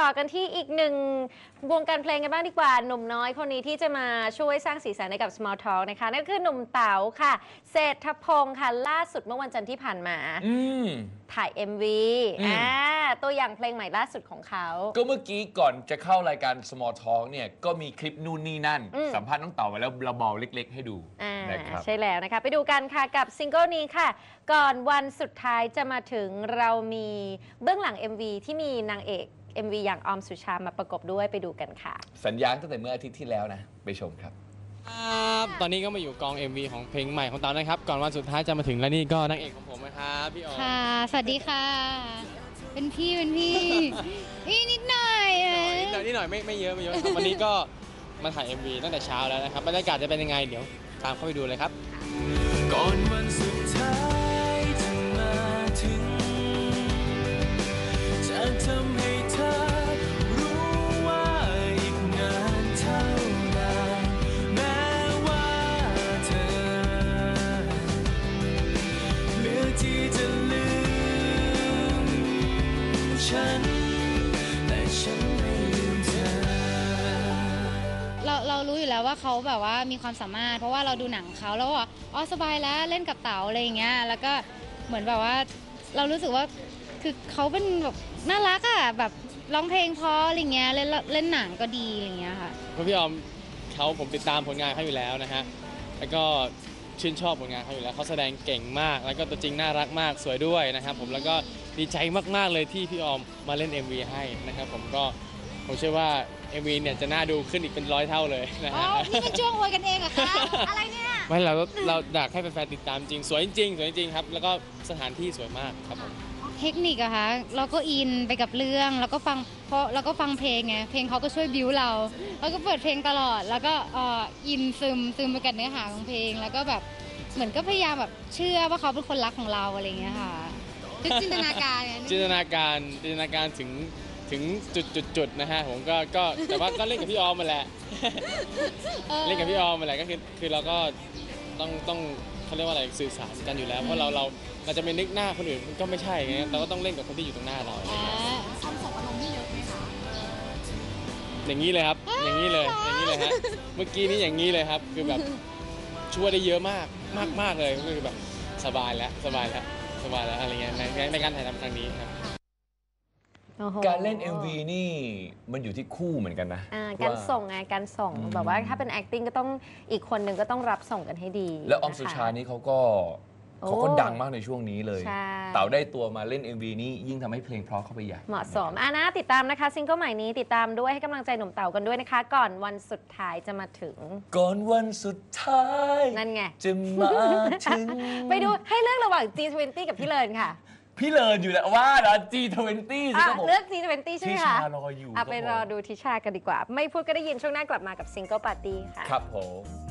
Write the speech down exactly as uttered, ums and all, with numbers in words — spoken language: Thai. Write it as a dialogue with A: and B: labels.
A: ต่อกันที่อีกหนึ่งวงการเพลงกันบ้างดีกว่าหนุ่มน้อยคนนี้ที่จะมาช่วยสร้างสีสันให้กับ Small Talk นะคะนั่นคือหนุ่มเต๋าค่ะเศรษฐพงศ์ค่ะล่าสุดเมื่อวันจันทร์ที่ผ่านมาถ่าย เอ็ม วี อ่าตัวอย่างเพลงใหม่ล่าสุดของเขา
B: ก็เมื่อกี้ก่อนจะเข้ารายการ Small Talk เนี่ยก็มีคลิปนู่นนี่นั่นสัมภาษณ์น้องเต๋าไว้แล้วเราเบาเล็กๆให้ดูนะครับ
A: ใช่แล้วนะคะไปดูกันค่ะกับซิงเกิลนี้ค่ะก่อนวันสุดท้ายจะมาถึงเรามีเบื้องหลัง เอ็ม วี ที่มีนางเอก เอ็ม วี อย่างออมสุชามาประกบด้วยไปดูกันค่ะ
B: สัญญาตั้งแต่เมื่ออาทิตย์ที่แล้วนะไปชมครับ
C: ตอนนี้ก็มาอยู่กอง เอ็ม วี ของเพลงใหม่ของเต๋านะครับก่อนวันสุดท้ายจะมาถึงแล้วนี่ก็นางเอกของผมนะครับพี่ออม
D: ค่ะสวัสดีค่ะเป็นพี่เป็นพี่อีนิดหน่อย
C: นิดหน่อยนิดหน่อยไม่ไม่เยอะไม่เยอะวันนี้ก็มาถ่าย เอ็ม วี ตั้งแต่เช้าแล้วนะครับบรรยากาศจะเป็นยังไงเดี๋ยวตามเข้าไปดูเลยครับก่อนวันสุดท้ายจะมาถึงจะทำให้เธอรู้ว่าอีกนานเท่าไหร่แม้ว่าเธอเลือกที่จะลืมฉันแต่ฉันไม่ลืมเธอ
D: เราเรารู้อยู่แล้วว่าเขาแบบว่ามีความสามารถเพราะว่าเราดูหนังเขาแล้วว่าอ๋อสบายแล้วเล่นกับเต๋าอะไรอย่างเงี้ยแล้วก็เหมือนแบบว่าเรารู้สึกว่าคือเขาเป็นแบบน่ารักอ่ะแบบร้องเพลงเพราะอะไรเงี้ยเล่นเล่นหนังก็ดีอะไรเงี้ยค่ะ
C: พี่ออมเขาผมติดตามผลงานเขาอยู่แล้วนะฮะแล้วก็ชื่นชอบผลงานเขาอยู่แล้วเขาแสดงเก่งมากแล้วก็ตัวจริงน่ารักมากสวยด้วยนะครับผมแล้วก็ดีใจมากๆเลยที่พี่ออมมาเล่น เอ็ม วี ให้นะครับผมก็ผมเชื่อว่า เอ็ม วี เนี่ยจะน่าดูขึ้นอีกเป็นร้อยเท่าเลยนะฮะ
D: นี่เป็นช่วงอวยกันเองเหรอคะอะไรเนี่ย
C: ไม่เราเราอยากให้แฟนๆติดตามจริงสวยจริงสวยจริงครับแล้วก็สถานที่สวยมากครับผม
D: เทคนิคอะคะเราก็อินไปกับเรื่องแล้วก็ฟังเพราะแล้วก็ฟังเพลงไงเพลงเขาก็ช่วยบิ้วเราแล้วก็เปิดเพลงตลอดแล้วก็อินซึมซึมไปกับเนื้อหาของเพลงแล้วก็แบบเหมือนก็พยายามแบบเชื่อว่าเขาเป็นคนรักของเราอะไรเงี้ยค่ะจินตนาการ
C: จินตนาการจินตนาการถึงถึงจุดจุดจุดนะฮะผมก็ก็แต่ว่าก็เล่นกับพี่ออมมาแหละเล่นกับพี่ออมมาแหละก็คือคือเราก็ต้องต้องเขาเรียกว่าอะไรสื่อสารกันอยู่แล้วเพราะเราเราเราจะไปนึกหน้าคนอื่นมันก็ไม่ใช่ไงเราก็ต้องเล่นกับคนที่อยู่ตรงหน้าเรา
D: ทำส่งอารมณ์นี่เยอะไหมคะ
C: อย่างนี้เลยครับอย่างนี้เลยอย่างนี้เลยฮะเมื่อกี้นี้อย่างนี้เลยครับคือแบบช่วยได้เยอะมากมากมากเลยก็คือแบบสบายแล้วสบายแล้วสบายแล้วอะไรเงี้ยในในการถ่ายทำครั้งนี้ครับ
B: การเล่น เอ็ม วี นี่มันอยู่ที่คู่เหมือนกันนะ
A: การส่งไงการส่งแบบว่าถ้าเป็น acting ก็ต้องอีกคนหนึ่งก็ต้องรับส่งกันให้ดี
B: แล้วออมสุชานี่เขาก็เขาก็ดังมากในช่วงนี้เลยเต๋าได้ตัวมาเล่น เอ็ม วี นี่ยิ่งทำให้เพลงเพราะเข้าไปใหญ่
A: เหมาะสมอ่ะนะติดตามนะคะซิงเกิลใหม่นี้ติดตามด้วยให้กำลังใจหนุ่มเต๋ากันด้วยนะคะก่อนวันสุดท้ายจะมาถึง
B: ก่อนวันสุดท้าย
A: นั่นไง
B: จะมาถึง
A: ไปดูให้เลือกระหว่าง จี ทเวนตี้ กับพี่เลินค่ะ
B: พี่เลินอยู่แล้วว่านะ จี ทเวนตี้ สิครับผม
A: เลือก จี ทเวนตี้ ใช่ไหมคะ
B: ทิชารออยู่
A: ไปรอดูทิชากันดีกว่าไม่พูดก็ได้ยินช่วงหน้ากลับมากับซิงเกิลปาร์ตี้ค่ะ
B: ครับผม